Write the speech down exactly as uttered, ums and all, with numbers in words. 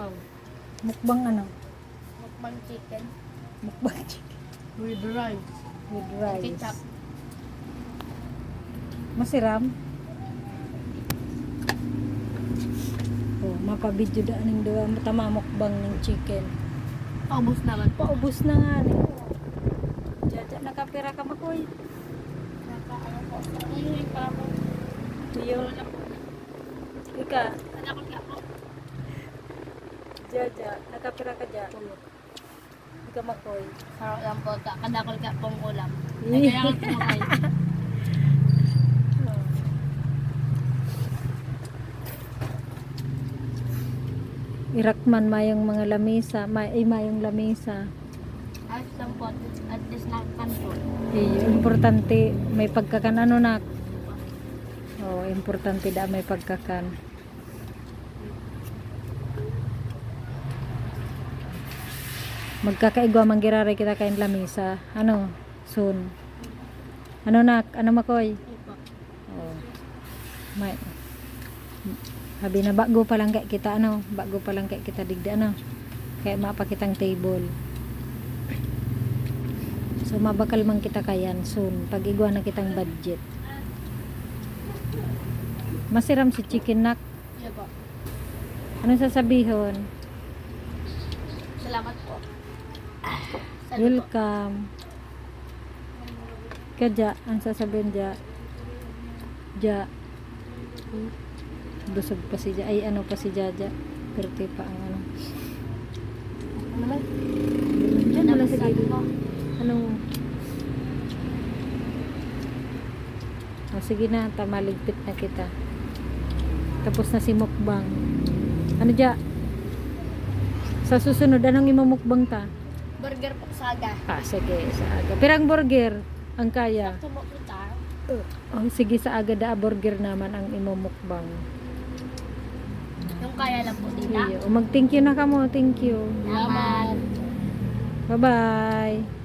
Wow. Mukbang ano? Mukbang chicken. Mukbang chicken With rice. with Ketchup. rice. Masiram? Oh, mapabidyo da ning duwa tama mukbang ng chicken. Paubos naman po. Paubos na nga ni. Jaja nakapira ka makoy. Naka-ano po. Uy, pa ako. Tuyo. Ika, Anak ko ka po. Jaja, nakapira ka ja. Ika makoy. Sarap lang po. Kadakol ka pong ulam. Eh. Kaya ako kumakay. Irakman mayong mga lamesa, may ay mayong lamesa. Ayos lang po. At least nakakanto. Eh, importante may pagkakan ano nak. Oh, importante da may pagkakan. Magkakaigwa man girare kita kain lamesa. Ano? Soon. Ano nak? Ano makoy? Oh. May Habi na bago pa lang kay kita ano, bago pa lang kay kita digda ano. Kaya mapakitang table. So mabakal man kita kayan soon pag igwa na kitang budget. Masiram si chicken nak. Iya po. Ano sasabihon? Salamat po. Salamat po. Welcome. Kadya, ang sasabihin dya. Ja. Busog pa si Ja. Ay ano pa si Jaja. Perte pa ang ano. Ano naman? Diyan wala sa Sabi gilid. ko. Ano? O sige na, tamaligpit na kita. Tapos na si mukbang. Ano dya? Sa susunod, anong imamukbang ta? Burger po saga. Ah, sige, sa aga. Pirang burger ang kaya. Tumo po tayo. Oh, sige, sa aga da burger naman ang imamukbang. Yung kaya lang po dita. Iyo. O mag-thank you na ka mo. Thank you. Salamat. Bye-bye.